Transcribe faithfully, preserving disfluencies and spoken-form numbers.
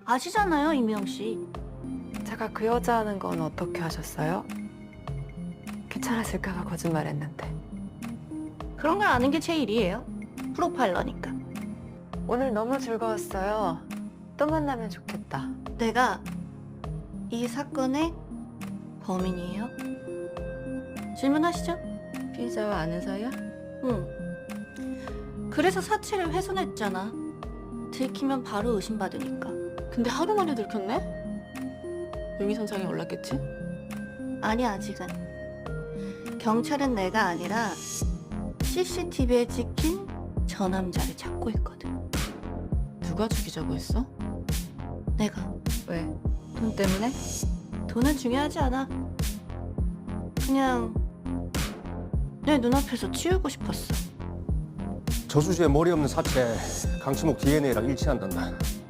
아시잖아요, 이미영 씨. 제가 그 여자 하는 건 어떻게 하셨어요? 괜찮았을까 봐 거짓말했는데. 그런 걸 아는 게 제 일이에요. 프로파일러니까. 오늘 너무 즐거웠어요. 또 만나면 좋겠다. 내가 이 사건의 범인이에요. 질문하시죠? 피의자와 아는 사이야? 응. 그래서 사체를 훼손했잖아. 들키면 바로 의심받으니까. 근데 하루 만에 들켰네? 용의선상에 올랐겠지? 아니, 아직은. 경찰은 내가 아니라 씨씨티비에 찍힌 저 남자를 찾고 있거든. 누가 죽이자고 했어? 내가. 왜? 돈 때문에? 돈은 중요하지 않아. 그냥 내 눈앞에서 치우고 싶었어. 저수지에 머리 없는 사체 강치목 디엔에이랑 일치한단다.